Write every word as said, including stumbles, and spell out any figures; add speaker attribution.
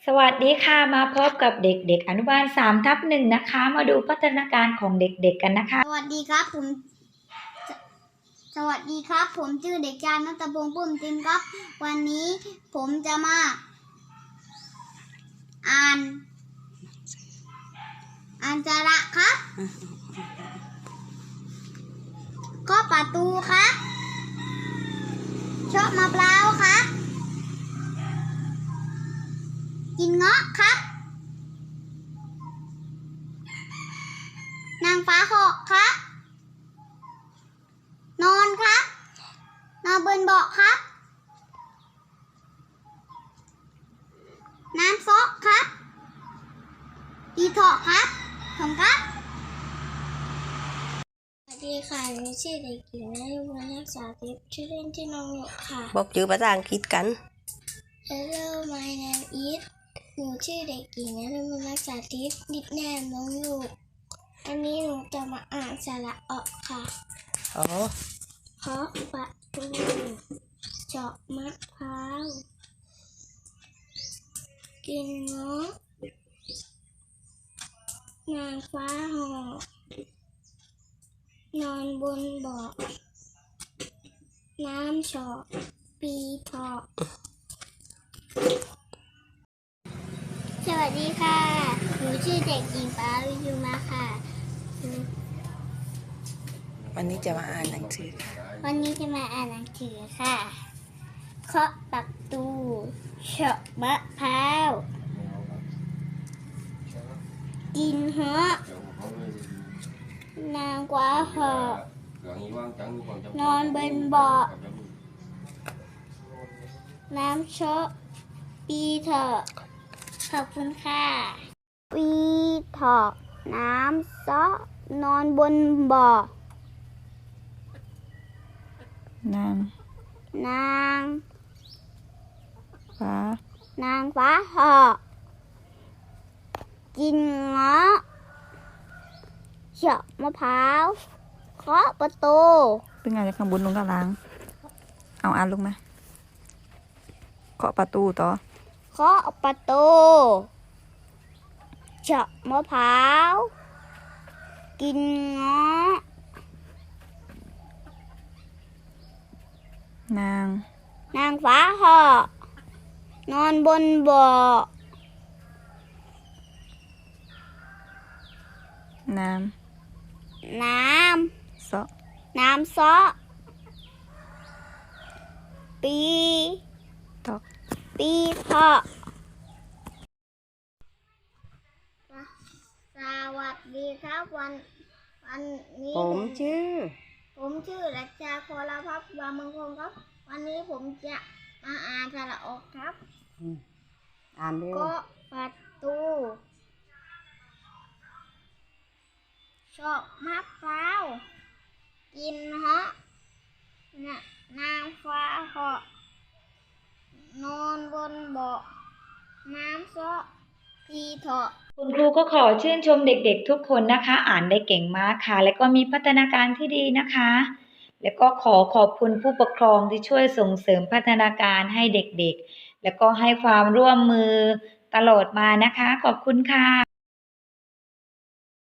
Speaker 1: สวัสดีค่ะมาพบกับเด็กๆอนุบาลสามทับหนึ่งนะคะมาดูพัฒนาการของเด็กๆกันนะคะ
Speaker 2: สวัสดีครับผมสวัสดีครับผมชื่อเด็กชายณัฐพงษ์ปุ้มจิมครับวันนี้ผมจะมาอ่านอ่านสระครับก็ประตูครับชอบมะพร้าวครับกินเงาะครับนางฟ้าเหาะครับนอนครับนอนบนเบาะครับน้ำซอกครับตีเถาะครับผมครับสวัสดีค่ะหนูชื่อเด็กหญิงนฤมลรักษาทิพย์ชื่อเล่นชื่อน้องหยกค่ะ
Speaker 3: บอกชื่อภาษาอังกฤษกัน
Speaker 2: Hello my name is หนูชื่อเด็กหญิงนฤมลรักษาทิพย์ดิดแนมน้องหยกอันนี้หนูจะมาอ่านสระออกค่ะ
Speaker 3: อ๋อ
Speaker 2: เคาะประตูเจาะมะพร้าวกินเงาะนางฟ้าหอกนอนบนเบาะน้ำเฉาะปีเถาะสวัสดีค่ะหนูชื่อเด็กหญิงปาริยุมาค่ะ
Speaker 3: วันนี้จะมาอ่านหนังสือ
Speaker 2: วันนี้จะมาอ่านหนังสือค่ะเคาะประตูเฉาะมะพร้าวกินเงาะนางฟ้าหอกนอนบนเบาะน้ำเชาะปีเถาะขอบคุณค่ะปีเถาะน้ำซอกนอนบนเบาะ
Speaker 1: นาง
Speaker 2: นาง
Speaker 1: ฟ้าน
Speaker 2: างฟ้าเหอกกินเงาะเฉาะมะพร้าวเคาะประตู
Speaker 1: เป็นไงจากข้างบนลงกลางเอาอ่านลงมาเคาะประตูต่อ
Speaker 2: เคาะประตูเฉาะมะพร้าวกินเงาะ
Speaker 1: นาง
Speaker 2: นางฟ้าเหอกนอนบนเบาะ
Speaker 1: น้
Speaker 2: ำน้
Speaker 1: ำซอ
Speaker 2: ำน้ำซอปี
Speaker 1: ตอก
Speaker 2: ปีเถาะสวัสดีครับวันวันนี้
Speaker 3: ผมชื่อ
Speaker 2: ผมชื่อรัชชาโคลภัพวามงคลครับวันนี้ผมจะมาอ่านสระออกครับ
Speaker 3: อ่านเร็ว
Speaker 2: ก็ประตูเฉาะมะพร้าวกินเงาะนางฟ้าเหาะนอนบนเบาะน้ำซอพีเถาะ
Speaker 1: คุณครูก็ขอชื่นชมเด็กๆทุกคนนะคะอ่านได้เก่งมากค่ะและก็มีพัฒนาการที่ดีนะคะและก็ขอขอบคุณผู้ปกครองที่ช่วยส่งเสริมพัฒนาการให้เด็กๆและก็ให้ความร่วมมือตลอดมานะคะขอบคุณค่ะ